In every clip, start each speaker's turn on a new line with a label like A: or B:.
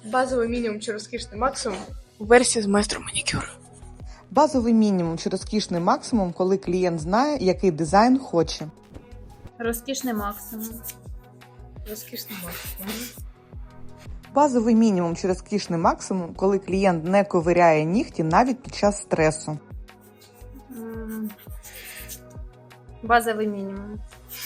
A: Базовий мінімум чи розкішний максимум у версії з майстром манікюру.
B: Базовий мінімум чи розкішний максимум, коли клієнт знає, який дизайн хоче.
C: Розкішний максимум.
A: Розкішний максимум.
B: Базовий мінімум чи розкішний максимум, коли клієнт не ковиряє нігті навіть під час стресу.
C: Базовий мінімум.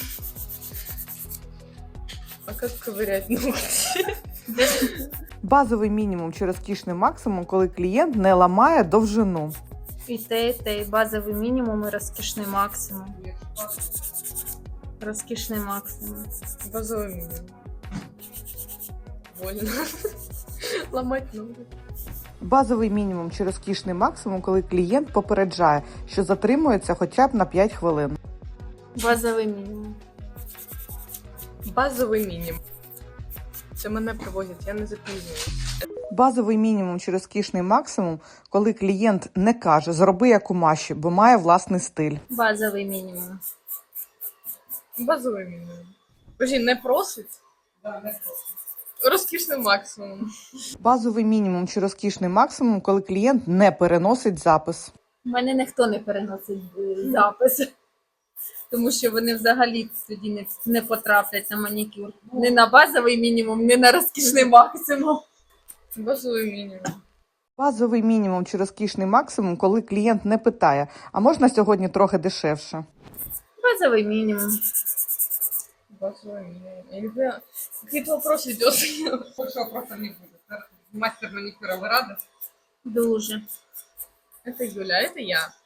A: А як ковирять ногті?
B: Базовий мінімум чи розкішний максимум, коли клієнт не ламає довжину.
C: І те. Базовий мінімум і розкішний максимум. Розкішний максимум.
A: Базовий мінімум. Больно. Ламать ноги.
B: Базовий мінімум чи розкішний максимум, коли клієнт попереджає, що затримується хоча б на 5 хвилин.
C: Базовий мінімум.
A: Базовий мінімум. Це мене привозять, я не запізнююсь.
B: Базовий мінімум чи розкішний максимум, коли клієнт не каже «зроби як у Маші», бо має власний стиль.
C: Базовий мінімум.
A: Базовий мінімум. Боже, не просить? Так, не просить. Розкішний максимум.
B: Базовий мінімум чи розкішний максимум, коли клієнт не переносить запис.
C: У мене ніхто не переносить запис. Тому що вони взагалі тоді не потраплять на манікюр. Не на базовий мінімум, не на розкішний максимум.
A: Базовий мінімум.
B: Базовий мінімум чи розкішний максимум, коли клієнт не питає «а можна сьогодні трохи дешевше?».
C: Базовий мінімум.
A: Базовый минимум. Я не понимаю, какие-то вопросы идет. Больше вопросов не будет. Мастер маникюра, вы рады?
C: Дуже.
A: Это Юля, это я.